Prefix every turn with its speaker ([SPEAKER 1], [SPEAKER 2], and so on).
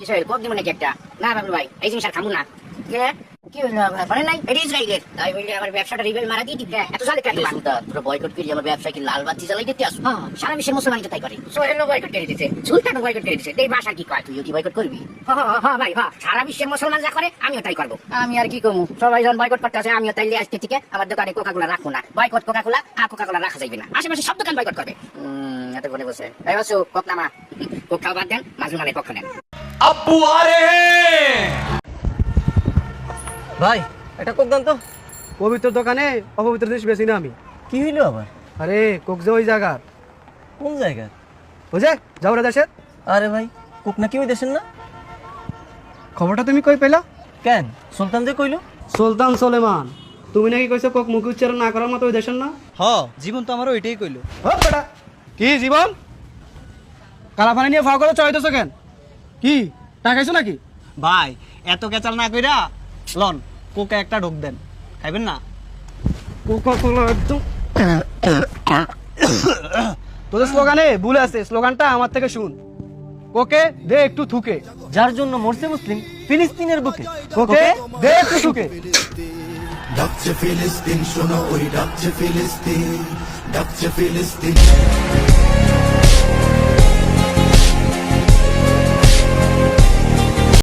[SPEAKER 1] কিছু কোক দিব নাকি একটা? না বাবু ভাই, এই জিনিস আর খাবো না। কি হইলো বলেন নাই? এটা ইসরায়েলের, তাই বললে আমার ব্যবসাটা রিবেল মারা দিয়ে দিবে। এত সালে কেন সুলতান তোরা বয়কট করি আমার ব্যবসা কি লাল বাতি জ্বালাই দিতে আসো? হ্যাঁ, সারা বিশ্বের মুসলমান তো তাই করে। সোহেলও বয়কট করে দিতেছে, সুলতানও বয়কট করে দিতেছে। এই ভাষা কি কয়? তুইও কি বয়কট করবি? হ্যাঁ ভাই, হ্যাঁ, সারা বিশ্বের মুসলমান যা করে আমিও তাই করবো। আমি আর কি করবো, সবাই যখন বয়কট করতে আসে আমিও তাইলে আজকে থেকে আমার দোকানে কোকা-কোলা রাখবো না। বয়কট কোকা-কোলা, আর কোকা-কোলা রাখা যাবে না। আশেপাশে সব দোকান বয়কট করবে। এত করে বসে এই বাসু কোক নামা, কোক খাওয়া বাদ দেন, মাজলুমানের পক্ষ নেন।
[SPEAKER 2] अब्बू आ रहे हैं।
[SPEAKER 3] ভাই এটা কোক দান তো।
[SPEAKER 4] পবিত্র দোকানে অপবিত্র জিনিস বেশি না আমি।
[SPEAKER 3] কি হইলো আবার?
[SPEAKER 4] আরে কোক যে ওই জায়গা,
[SPEAKER 3] কোন জায়গা?
[SPEAKER 4] বুঝে যাও রে দেশের।
[SPEAKER 3] আরে ভাই কোক নাকি ওই দেশের না?
[SPEAKER 4] খবরটা তুমি কই পেলা?
[SPEAKER 3] কেন সুলতান যে কইলো?
[SPEAKER 4] সুলতান সোলেমান, তুমি নাকি কইছো কোক মুখ উচ্চারণ না করার মতো ওই দেশের না?
[SPEAKER 5] হ জীবন তো আমারও এটাই কইলো।
[SPEAKER 4] বেটা কি জীবন কালা পানি নিয়ে ফাও করে চড়াইতেছো কেন? কি টাকাইছো নাকি?
[SPEAKER 5] ভাই এত কেচাল না কইরা লন কোকে একটা ঢোক দেন, খাইবেন না?
[SPEAKER 4] কোকা-কোলা একদম তোদের স্লোগানে ভুল আছে, স্লোগানটা আমার থেকে শুন। কোকে দে একটু থুকে,
[SPEAKER 3] যার জন্য মরছে মুসলিম ফিলিস্তিনের বুকে।
[SPEAKER 4] কোকে দে একটু থুকে।
[SPEAKER 6] ডাকছে ফিলিস্তিন, শোনো ওই ডাকছে ফিলিস্তিন, ডাকছে ফিলিস্তিন।